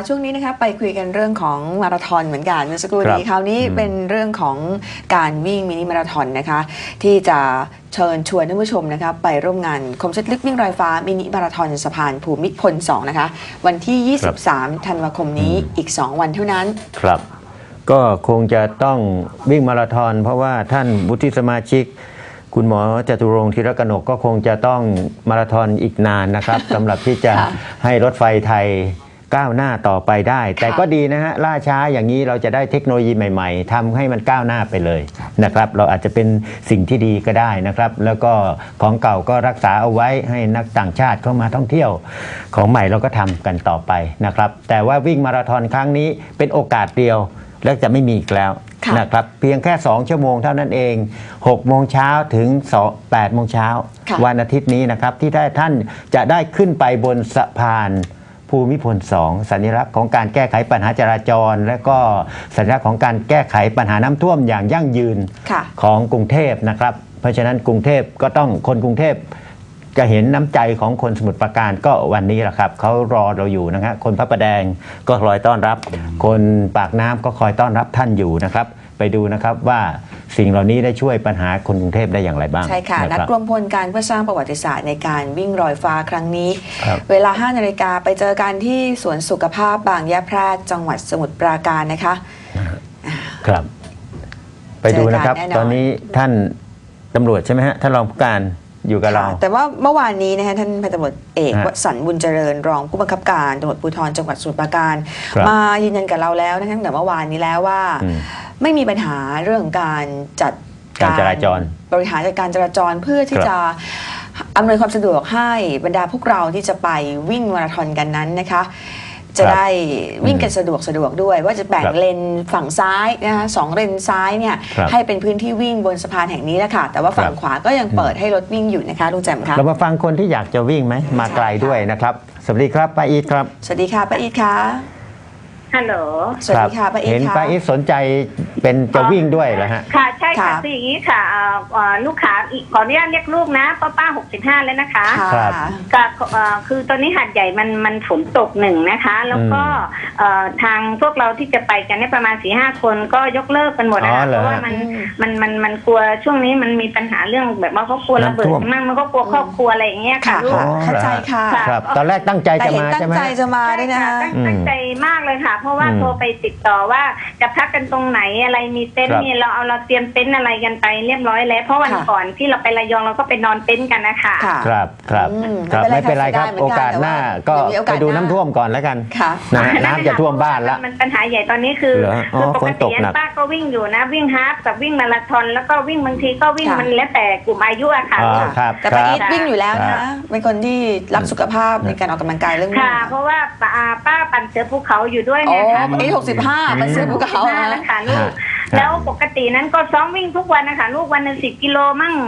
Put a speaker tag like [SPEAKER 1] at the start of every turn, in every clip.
[SPEAKER 1] ช่วงนี้นะคะไปคุยกันเรื่องของมาราธอนเหมือนกันเมื่อสักครู่นี้คราวนี้เป็นเรื่องของการวิ่งมินิมาราธอนนะคะที่จะเชิญชวนท่านผู้ชมนะคะไปร่วมงานคมชัดลึกวิ่งรอยฟ้ามินิมาราธอนสะพานภูมิพล 2นะคะวันที่ 23 ธันวาคมนี้อีก 2 วันเท่านั้น
[SPEAKER 2] ครับก็คงจะต้องวิ่งมาราธอนเพราะว่าท่านวุฒิสมาชิกคุณหมอจตุรงค์ธีรกนกก็คงจะต้องมาราธอนอีกนานนะครับ สำหรับที่จะให้รถไฟไทยก้าวหน้าต่อไปได้แต่ก็ดีนะฮะล่าช้าอย่างนี้เราจะได้เทคโนโลยีใหม่ๆทำให้มันก้าวหน้าไปเลยนะครับเราอาจจะเป็นสิ่งที่ดีก็ได้นะครับแล้วก็ของเก่าก็รักษาเอาไว้ให้นักต่างชาติเข้ามาท่องเที่ยวของใหม่เราก็ทำกันต่อไปนะครับแต่ว่าวิ่งมาราธอนครั้งนี้เป็นโอกาสเดียวและจะไม่มีอีกแล้วนะครับเพียงแค่2ชั่วโมงเท่านั้นเอง6 โมงเช้าถึง8 โมงเช้าวันอาทิตย์นี้นะครับที่ท่านจะได้ขึ้นไปบนสะพานภูมิพล 2สัญลักษณ์ของการแก้ไขปัญหาจราจรและก็สัญลักษณ์ของการแก้ไขปัญหาน้ำท่วมอย่างยั่งยืนของกรุงเทพนะครับเพราะฉะนั้นกรุงเทพก็ต้องคนกรุงเทพจะเห็นน้ำใจของคนสมุทรปราการก็วันนี้แหละครับเขารอเราอยู่นะครับคนพระประแดงก็คอยต้อนรับคนปากน้ำก็คอยต้อนรับท่านอยู่นะครับไปดูนะครับว่าสิ่งเหล่านี้ได้ช่วยปัญหาคนกรุงเทพได้อย่างไรบ้าง
[SPEAKER 1] ใช่ค่ะนัดรวมพลการเพื่อสร้างประวัติศาสตร์ในการวิ่งรอยฟ้าครั้งนี้เวลา 5 นาฬิกาไปเจอกันที่สวนสุขภาพบางยะแพรกจังหวัดสมุทรปราการนะคะ
[SPEAKER 2] ครับไปดูนะครับตอนนี้ท่านตำรวจใช่ไหมฮะท่านรองผู้การอยู่กับเรา
[SPEAKER 1] แต่ว่าเมื่อวานนี้นะคะท่านพันตำรวจเอกวสันต์บุญเจริญรองผู้บังคับการตำรวจภูธรจังหวัดสมุทรปราการมายืนยันกับเราแล้วนะคะตั้งแต่เมื่อวานนี้แล้วว่าไม่มีปัญหาเรื่องการจัด
[SPEAKER 2] การจราจร
[SPEAKER 1] บริหารจัดการจราจรเพื่อที่จะอำนวยความสะดวกให้บรรดาพวกเราที่จะไปวิ่งมาราธอนกันนั้นนะคะจะได้วิ่งกันสะดวกด้วยว่าจะแบ่งเลนฝั่งซ้ายนะคะ2 เลนซ้ายเนี่ยให้เป็นพื้นที่วิ่งบนสะพานแห่งนี้แหละค่ะแต่ว่าฝั่งขวาก็ยังเปิดให้รถวิ่งอยู่นะคะลุงแจ่มคะ
[SPEAKER 2] เรามาฟังคนที่อยากจะวิ่งไหมมาไกลด้วยนะครับสวัสดีครับป้าอีทครับ
[SPEAKER 1] สวัสดีค่ะป้าอีทค่ะ
[SPEAKER 3] ฮัลโหล
[SPEAKER 1] สวัสดีค่ะป้าอีท
[SPEAKER 2] เห็นป้าอีทสนใจเป็นจะวิ่งด้วยเหรอฮะ
[SPEAKER 3] ค่ะใช่ค่ะคืออย่างนี้ค่ะลูกค้าขออนุญาตเรียกลูกนะป้า65แล้วนะคะ
[SPEAKER 2] ครับ
[SPEAKER 3] คือตอนนี้หาดใหญ่มันฝนตก1นะคะแล้วก็ทางพวกเราที่จะไปกันเนี่ยประมาณ 4-5 คนก็ยกเลิกกันหมดนะคะเพราะว่ามันกลัวช่วงนี้มันมีปัญหาเรื่องแบบว่าเขากลัวระเบิดมั่งมันก็กลัวครอบครัวอะไรอย่างเงี้ยค่ะลูก
[SPEAKER 1] เข้าใจค่ะ
[SPEAKER 2] ตอนแรกตั้งใจจะมาใช่ไหม
[SPEAKER 1] ตั้งใจจะมาด้วยนะ
[SPEAKER 3] ตั้งใจมากเลยค่ะเพราะว่าโทรไปติดต่อว่าจะพักกันตรงไหนอะไรมีเต็นท์นี่เราเตรียมเต็นท์อะไรกันไปเรียบร้อยแล้วเพราะวันก่อนที่เราไประยองเราก็ไปนอนเต็นท์กันนะคะ
[SPEAKER 2] ครับไม่เป็นไรครับโอกาสหน้าก็ไปดูน้ำท่วมก่อนแล้วกันน้ำจะท่วมบ้านแล้ว
[SPEAKER 3] มันปัญหาใหญ่ตอนนี้คือปกติป้าก็วิ่งอยู่นะวิ่งฮาล์ฟกับวิ่งมาราธอนแล้วก็วิ่งบางทีก็วิ่งมันแล้วแต่กลุ่มอายุอะค่ะ
[SPEAKER 1] แต่ป้าอีทวิ่งอยู่แล้วนะเป็นคนที่รักสุขภาพในการออกกำลังกายเรื่องนี้
[SPEAKER 3] ค่ะเพราะว่าป้าปั่นเสือภูเขาอยู่ด้วยเนี่ยค่ะ
[SPEAKER 1] อายุ65มันเสือภูเขา
[SPEAKER 3] นะคะลูกแล้วปกตินั้นก็ซ้อมวิ่งทุกวันนะคะลูกวันนึง10 กิโลมั่ง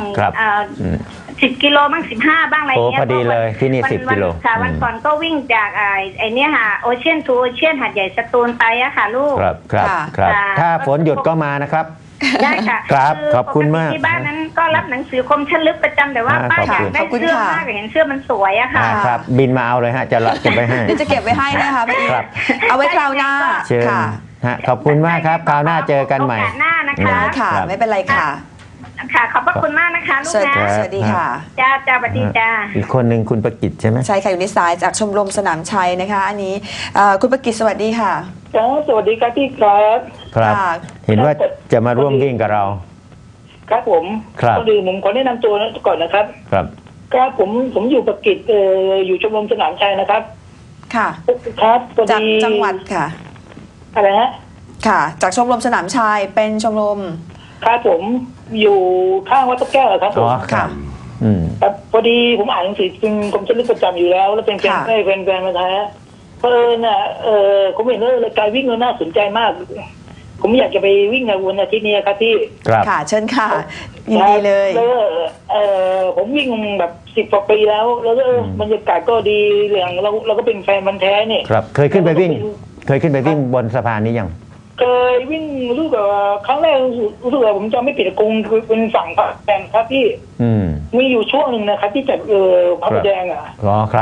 [SPEAKER 3] 10 กิโลมั่ง15บ้างอะไรเงี้ย
[SPEAKER 2] พอดีเลยที่นี่10 กิโล
[SPEAKER 3] วันก่อนก็วิ่งจากไอ้นี่ค่ะโอเชียนทูโอเชียนหาดใหญ่สตูลไปอะค่ะลูก
[SPEAKER 2] ครับถ้าฝนหยุดก็มานะครับ
[SPEAKER 3] ได้ค่ะ
[SPEAKER 2] ครับขอบคุณมาก
[SPEAKER 3] ที่บ้านนั้นก็รับหนังสือคมชัดลึกประจำแต่ว่าป้าอยากได้เสื้อมากเห็นเสื้อมันสวยอะค่ะ
[SPEAKER 2] ครับบินมาเอาเลยฮะจะเก็บไว้ให้
[SPEAKER 1] จะเก็บไว้ให้นะคะพี่เอาไว้คราวหน้า
[SPEAKER 2] ค่ะขอบคุณมากครับคราวหน้าเจอกันใหม่
[SPEAKER 3] หน้านะคะ
[SPEAKER 1] ค่ะไม่เป็นไรค่ะ
[SPEAKER 3] ค่ะขอบพระคุณมากนะคะลูกนะ
[SPEAKER 1] สวัสดีค่ะ
[SPEAKER 3] จ้าสวัสดีจ้า
[SPEAKER 2] อีกคนหนึ่งคุณประกิตใช่ไหม
[SPEAKER 1] ใช่ค่ะอยู่ในสายจากชมรมสนามชัยนะคะอันนี้คุณประกิตสวัสดีค่ะ
[SPEAKER 4] สวัสดีครับพี่ครับ
[SPEAKER 2] เห็นว่าจะมาร่วมวิ่งกับเรา
[SPEAKER 4] ครับผมก่อนอื่นผมขอแนะนำตัวก่อนนะครับครับผมอยู่ประกิตอยู่ชมรมสนามชัยนะครับ
[SPEAKER 1] ค่ะ
[SPEAKER 4] ครับ
[SPEAKER 1] จากจังหวัดค่ะ
[SPEAKER 4] อะไรฮะ
[SPEAKER 1] ค่ะจากชมรมสนามชัยเป็นชมรม
[SPEAKER 4] ครับผมอยู่ข้างวัดตะแก้วครับผม
[SPEAKER 1] ค่ะ
[SPEAKER 4] พอดีผมอ่านหนังสือพิมพ์กรมชลประจำอยู่แล้วเป็นแฟนมาแท้เพราะน่ะผมเห็นว่ารายการวิ่งน่าสนใจมากผมอยากจะไปวิ่งในวันอาทิตย์นี้ครับพี่
[SPEAKER 1] ค่ะเชิญค่ะยินดีเลย
[SPEAKER 4] ผมวิ่งแบบ10 กว่าปีแล้วบรรยากาศก็ดีเรื่องเราก็เป็นแฟนมันแท้เนี่ย
[SPEAKER 2] ครับเคยขึ้นไปวิ่งบนสะพานนี้ยัง
[SPEAKER 4] เคยวิ่งรู้สึกครั้งแรกรู้สึกผมจำไม่ผิดกรุงคือเป็นฝั่งพระแดงครับพี่มีอยู่ช่วงหนึ่งนะครับที่จัดพระแดงอ๋
[SPEAKER 2] อครับ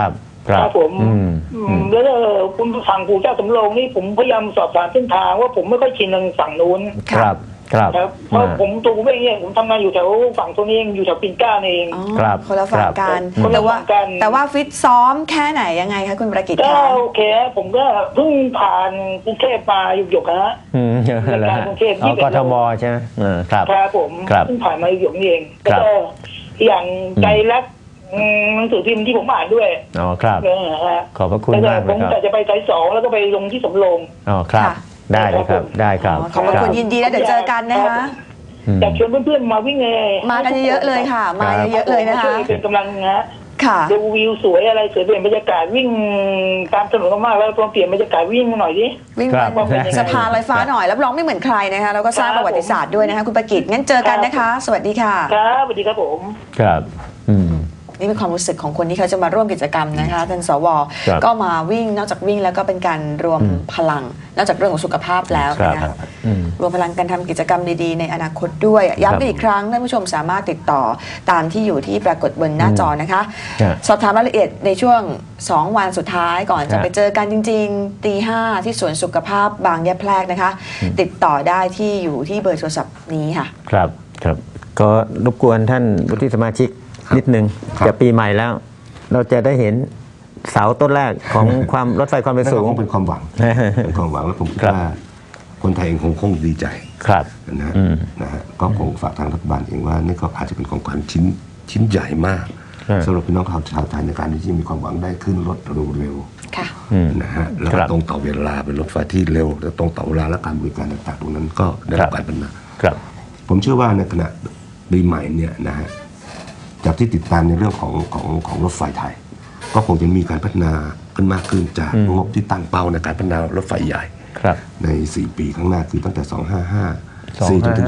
[SPEAKER 2] ครับ
[SPEAKER 4] ผม แล้วคุณฝั่งปู่เจ้าสำโรงนี่ผมพยายามสอบถามเส้นทางว่าผมไม่ค่อยชินทางฝั่งนู้น
[SPEAKER 2] ครับครับ
[SPEAKER 4] ครับเพราะผมตัวผมเองเนี่ยผมทำงานอยู่แถวฝั่งตรงนี้เองอยู่แถวปิ่นเกล้านี่เอง
[SPEAKER 1] อ๋อ
[SPEAKER 2] ครับ
[SPEAKER 1] คนละฝั่งกัน
[SPEAKER 4] คนละฝั่งกัน
[SPEAKER 1] แต่ว่าฟิตซ้อมแค่ไหนยังไงคะคุณประกิต
[SPEAKER 4] ก็
[SPEAKER 1] คะ
[SPEAKER 4] โอเคผมก็เพิ่งผ่านกรุงเทพมาหยกๆฮะ
[SPEAKER 2] เยอะแล้วฮะ
[SPEAKER 4] กรุงเทพ
[SPEAKER 2] อ๋อกทมใช่ไหมครับ
[SPEAKER 4] ครับผม
[SPEAKER 2] ครับ
[SPEAKER 4] เพิ่งผ่านมาหยกๆนี่เอง
[SPEAKER 2] ครั
[SPEAKER 4] แล้ว
[SPEAKER 2] บ
[SPEAKER 4] ก็อย่างใจรักหนังสือพิมพ์ที่ผมอ่านด้วย
[SPEAKER 2] อ๋อครับ
[SPEAKER 4] ฮะ
[SPEAKER 2] ขอบพระคุณ
[SPEAKER 4] แล้วก็
[SPEAKER 2] มาก
[SPEAKER 4] ผ
[SPEAKER 2] นะ
[SPEAKER 4] ม
[SPEAKER 2] ครับ
[SPEAKER 4] แต่จะไปสายสองแล้วก็ไปลงที่สำโรง
[SPEAKER 2] อ๋อครับ ได้เลยครับได้ครับ
[SPEAKER 1] ขอบพระคุณยินดีแล้วเดี๋ยวเจอกันนะคะ
[SPEAKER 4] อยากชวนเพื่อนๆมาวิ่งไง
[SPEAKER 1] มากันเยอะๆเลยค่ะ มาเยอะๆเลยนะคะ
[SPEAKER 4] ช่วยเป็นกำลังนะ
[SPEAKER 1] ค่ะ
[SPEAKER 4] ดูวิวสวยอะไรสวยเปลี่ยนบรรยากาศวิ่งตามถนนมากๆแล้วลองเปลี่ยนบรรยากาศวิ่งมาหน่อยดิ
[SPEAKER 1] วิ่ง
[SPEAKER 2] ครับ
[SPEAKER 1] บนสะพานลอยฟ้าหน่อยรับรองไม่เหมือนใครนะคะแล้วก็สร้างประวัติศาสตร์ด้วยนะคะคุณประกิตงั้นเจอกันนะคะ สวัสดีค่ะ
[SPEAKER 4] ครับสวัสดีครับผม
[SPEAKER 2] ครับ
[SPEAKER 1] นี่เป็นความรู้สึกของคนที่เขาจะมาร่วมกิจกรรมนะคะท่านสว
[SPEAKER 2] ครับ
[SPEAKER 1] ก็มาวิ่งนอกจากวิ่งแล้วก็เป็นการรวมพลัง นอกจากเรื่องของสุขภาพแล้ว
[SPEAKER 2] ครับ
[SPEAKER 1] นะคะรวมพลังการทำกิจกรรมดีๆในอนาคตด้วยย้ำกันอีกครั้งท่านผู้ชมสามารถติดต่อตามที่อยู่ที่ปรากฏบนหน้าจอนะคะ
[SPEAKER 2] ครับ
[SPEAKER 1] สอบถามรายละเอียดในช่วง 2 วันสุดท้ายก่อน
[SPEAKER 2] ครั
[SPEAKER 1] จะ
[SPEAKER 2] บ
[SPEAKER 1] ไปเจอกันจริงๆตีห้าที่สวนสุขภาพบางยะแพรกนะคะ ติดต่อได้ที่อยู่ที่เบอร์โทรศัพท์นี้ค่ะ
[SPEAKER 2] ครับครับก็รบกวนท่านวุฒิสมาชิกนิดนึงจะปีใหม่แล้ว เราจะได้เห็นเสาต้นแรกของความรถไฟความเร็วสูง
[SPEAKER 5] นั่นก็คงเป็นความหวัง เป็นความหวังแล้วผมคิด
[SPEAKER 2] ครับ
[SPEAKER 5] ว่าคนไทยเองคงดีใจ
[SPEAKER 2] ครับ
[SPEAKER 5] นะฮะนะฮะก็คงฝากทางรัฐบาลเองว่านี่ก็อาจจะเป็นของขวัญชิ้นใหญ่มาก
[SPEAKER 2] ครับ
[SPEAKER 5] สำหรับพี่น้องชาวไทยในการที่จะมีความหวังได้ขึ้นรถเร็ว
[SPEAKER 1] ค่ะ
[SPEAKER 5] ๆนะฮะแล้ว
[SPEAKER 2] ค
[SPEAKER 5] ก็
[SPEAKER 2] รับ
[SPEAKER 5] ตรงต่อเวลาเป็นรถไฟที่เร็วและตรงต่อเวลาและการบริการต่างๆตรงนั้นก็ได้รับการพัฒนา
[SPEAKER 2] ครับ
[SPEAKER 5] ผมเชื่อว่าในขณะปีใหม่เนี่ยนะฮะจากที่ติดตามในเรื่องของรถไฟไทย ก็คงจะมีการพัฒนาขึ้นมากขึ้นจากงบที่ตั้งเป้าในการพัฒนารถไฟใหญ่
[SPEAKER 2] ครับ
[SPEAKER 5] ใน 4 ปีข้างหน้าคือตั้งแต่ 255 4จนถึง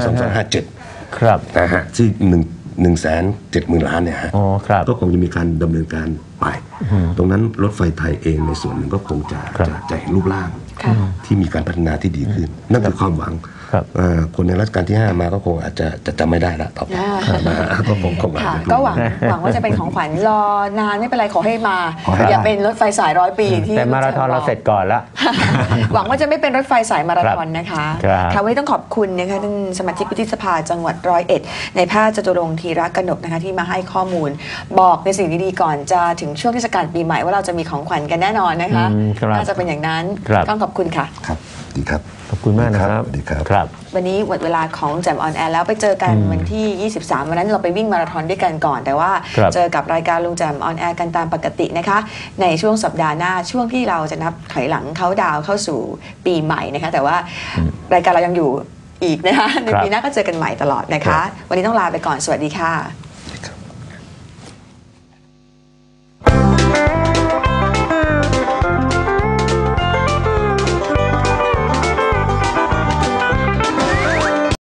[SPEAKER 5] 2257
[SPEAKER 2] ครับ
[SPEAKER 5] นะฮะที่170,000 ล้านเนี่ยฮะ
[SPEAKER 2] อ๋อครับ
[SPEAKER 5] ก็คงจะมีการดำเนินการไป ตรงนั้นรถไฟไทยเองในส่วนหนึ่งก็คงจะ
[SPEAKER 2] ครับ
[SPEAKER 5] จะเห็นรูปร่าง
[SPEAKER 1] ค่ะ
[SPEAKER 5] ที่มีการพัฒนาที่ดีขึ้น นั่นคือความหวัง
[SPEAKER 2] ครับ
[SPEAKER 5] คนในรัชกาลที่ 5 มาก็คงอาจจะจำไม่ได้ละต่อไปนะฮะก็คงอาจ
[SPEAKER 1] ค่ะ
[SPEAKER 5] จะ
[SPEAKER 1] ก็หวังว่าจะเป็นของขวัญรอนานไม่เป็นไรขอให้มา
[SPEAKER 5] ขอให้
[SPEAKER 1] อย่าเป็นรถไฟสาย100 ปีที่
[SPEAKER 2] แต่มาราธอนเราเสร็จก่อนละ
[SPEAKER 1] หวังว่าจะไม่เป็นรถไฟสายมาราธอนนะคะ
[SPEAKER 2] ครับ
[SPEAKER 1] ค่ะวันนี้ต้องขอบคุณนะคะท่านสมาชิกวุฒิสภาจังหวัด101ในแพทย์จตุรงค์ธีรกนกนะคะที่มาให้ข้อมูล บอกในสิ่งดีๆก่อนจะถึงช่วงเทศกาลปีใหม่ว่าเราจะมีของขวัญกันแน่นอนนะคะ
[SPEAKER 2] ครับ
[SPEAKER 1] น่าจะเป็นอย่างนั้น
[SPEAKER 2] ครับ
[SPEAKER 1] ต้องขอบคุณค่ะ
[SPEAKER 5] ครับดีครับ
[SPEAKER 2] ขอบคุณมากนะครับ
[SPEAKER 5] สวัสดีครับ
[SPEAKER 2] ครับ
[SPEAKER 1] วันนี้หมดเวลาของแจมออนแอร์แล้วไปเจอกันวันที่ 23 วันนั้นเราไปวิ่งมาราธอนด้วยกันก่อน แต่ว่า
[SPEAKER 2] ครับ
[SPEAKER 1] เจอกับรายการลุงแจมออนแอร์กันตามปกตินะคะ ในช่วงสัปดาห์หน้าช่วงที่เราจะนับถอยหลังเขาดาวน์เข้าสู่ปีใหม่นะคะ แต่ว่ารายการเรายังอยู่อีกนะคะในปีหน้าก็เจอกันใหม่ตลอดนะคะ วันนี้ต้องลาไปก่อนสวัสดีค่ะ